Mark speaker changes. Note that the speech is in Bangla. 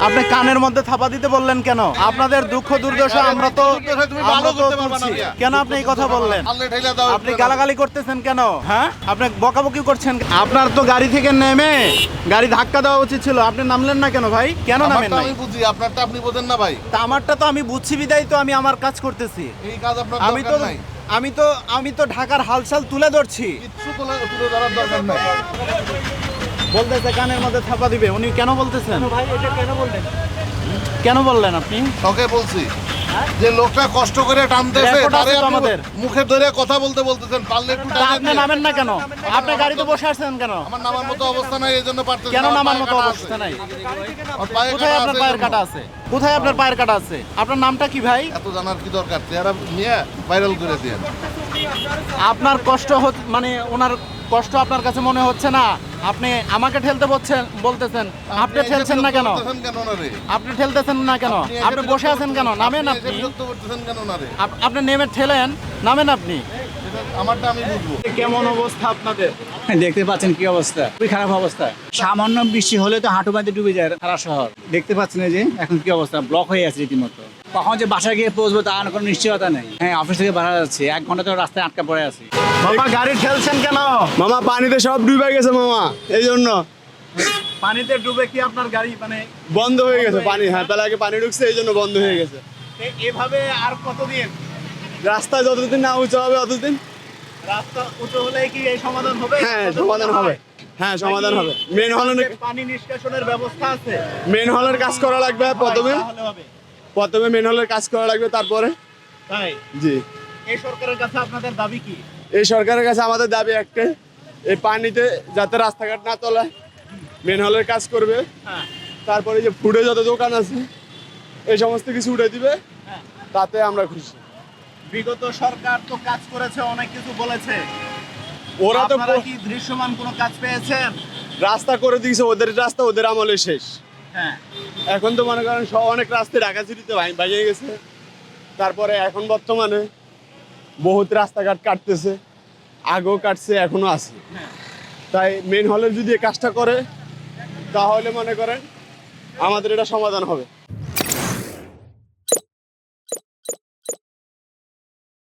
Speaker 1: আপনি কানের মধ্যে থাপা দিতে বললেন কেন? আপনাদের দুঃখ দুর্দশা আমরা তো তুলছি। কেন আপনি এই কথা বললেন? আপনি গালাগালি করতেছেন কেন? হ্যাঁ, আপনি বকাবকি করছেন। আপনার তো গাড়ি থেকে নেমে গাড়ি ধাক্কা দেওয়া উচিত ছিল। আপনি নামলেন না কেন ভাই? কেন নামেন না?
Speaker 2: আমি বুঝি, আপনারটা আপনি বোঝেন না ভাই।
Speaker 1: তা আমারটা তো আমি বুঝছি বিদায় তো আমি আমার কাজ করতেছি।
Speaker 2: এই কাজ আপনার
Speaker 1: আমি তো
Speaker 2: দরকার নাই।
Speaker 1: আমি তো ঢাকার হালচাল তুলে ধরছি।
Speaker 2: কিচ্ছু তুলে ধরার দরকার নাই।
Speaker 1: বলতেছে কানের মধ্যে থাপা দিবে। উনি কেন বলতেছেন? ভাই এটা কেন বললেন? কেন বললেন আপনি?
Speaker 2: তোকে বলছি যে লোকটা কষ্ট করে টানতেছে,
Speaker 1: রেকর্ড আছে
Speaker 2: তারে
Speaker 1: তো
Speaker 2: আপনি
Speaker 1: আমাদের।
Speaker 2: মুখে ধরে কথা বলতেছেন, পারলে একটু
Speaker 1: তা
Speaker 2: টানেন
Speaker 1: আপনি
Speaker 2: না।
Speaker 1: নামেন না কেন? আপনি গাড়িতে বসে আছেন কেন?
Speaker 2: আমার নামার মতো অবস্থা নাই, এই জন্য পারতেছি
Speaker 1: কেন
Speaker 2: না, আমার
Speaker 1: নামার
Speaker 2: পায়ে
Speaker 1: মতো
Speaker 2: কাটা
Speaker 1: অবস্থা
Speaker 2: আছে।
Speaker 1: নাই?
Speaker 2: আমার পায়ে
Speaker 1: কোথায় আপনার
Speaker 2: আছে
Speaker 1: পায়ের
Speaker 2: এই জন্য।
Speaker 1: কাটা আছে? কোথায় আপনার পায়ের কাটা আছে? আপনার নামটা কি ভাই?
Speaker 2: এত জানার কি দরকার? চেহারা নিয়ে ভাইরাল করে দিয়ে।
Speaker 1: আপনার কষ্ট মানে ওনার কষ্ট আপনার কাছে মনে হচ্ছে না? আপনি আমাকে ঠেলতে বলতেছেন। আপনি ঠেলছেন না কেন? আপনি ঠেলতেছেন না কেন? আপনি বসে আছেন কেন? নামেন আপনি। আপনি নেমে ঠেলেন, নামেন আপনি।
Speaker 2: আমারটা আমি বুঝবো।
Speaker 1: কেমন অবস্থা আপনাদের?
Speaker 3: দেখতে পাচ্ছেন কি অবস্থা, খুবই খারাপ অবস্থা। সামান্য বৃষ্টি হলে তো হাঁটু বাঁধে ডুবে যায় সারা শহর। দেখতে পাচ্ছেন এই যে এখন কি অবস্থা, ব্লক হয়ে আছে রীতিমতো। কখন যে বাসায় গিয়ে পৌঁছবো তার কোনো নিশ্চয়তা নেই। হ্যাঁ, অফিস থেকে বাড়া যাচ্ছে, 1 ঘন্টা তো রাস্তায় আটকা পড়ে আছি।
Speaker 1: বাবা গাড়ি ঠেলছেন কেন?
Speaker 4: মামা পানিতে সব ডুবে গেছে মামা, এই জন্য
Speaker 1: পানিতে ডুবে কি আপনার গাড়ি মানে
Speaker 4: বন্ধ হয়ে গেছে পানি। হ্যাঁ, তাহলে আগে পানি ঢুকছে, এই জন্য বন্ধ হয়ে গেছে।
Speaker 1: এভাবে আর কতদিন?
Speaker 4: রাস্তায় যতদিন না উঁচু হবে ততদিন।
Speaker 1: রাস্তা উঁচু হলে কি এই সমাধান হবে?
Speaker 4: হ্যাঁ, সমাধান হবে। হ্যাঁ, সমাধান হবে। মেন হলের
Speaker 1: পানি নিষ্কাশনের ব্যবস্থা আছে।
Speaker 4: কাজ করা লাগবে প্রথমে।
Speaker 1: তাহলে হবে।
Speaker 4: প্রথমে মেন হলের কাজ করা লাগবে, তারপরে।
Speaker 1: তাই
Speaker 4: জি,
Speaker 1: এই সরকারের কাছে আপনাদের দাবি কি?
Speaker 4: এই সরকারের কাছে আমাদের দাবি একটাই, এই পানিতে যাতে রাস্তাঘাট না তলায় মেন হলের কাজ করবে।
Speaker 1: হ্যাঁ
Speaker 4: তারপরে যে ফুডে যত দোকান আছে এই সমস্ত কিছু উঠে দিবে,
Speaker 1: হ্যাঁ।
Speaker 4: তাতে আমরা খুশি।
Speaker 1: বিগত সরকার তো কাজ করেছে, অনেক কিছু বলেছে।
Speaker 4: ওরা তো
Speaker 1: আপনারা কি দৃশ্যমান কোনো কাজ পেয়েছেন?
Speaker 4: রাস্তা করে দিয়েছে, ওদের রাস্তা ওদের আমলে শেষ।
Speaker 1: হ্যাঁ
Speaker 4: এখন তো মনে করেন অনেক রাস্তায় ঢাকা সিটিতে ভেঙে গেছে। তারপরে এখন বর্তমানে বহুত রাস্তাঘাট কাটতেছে, আগেও কাটছে, এখনো আছে। তাই মেন হলের যদি এই কাজটা করে তাহলে মনে করেন আমাদের এটা সমাধান হবে।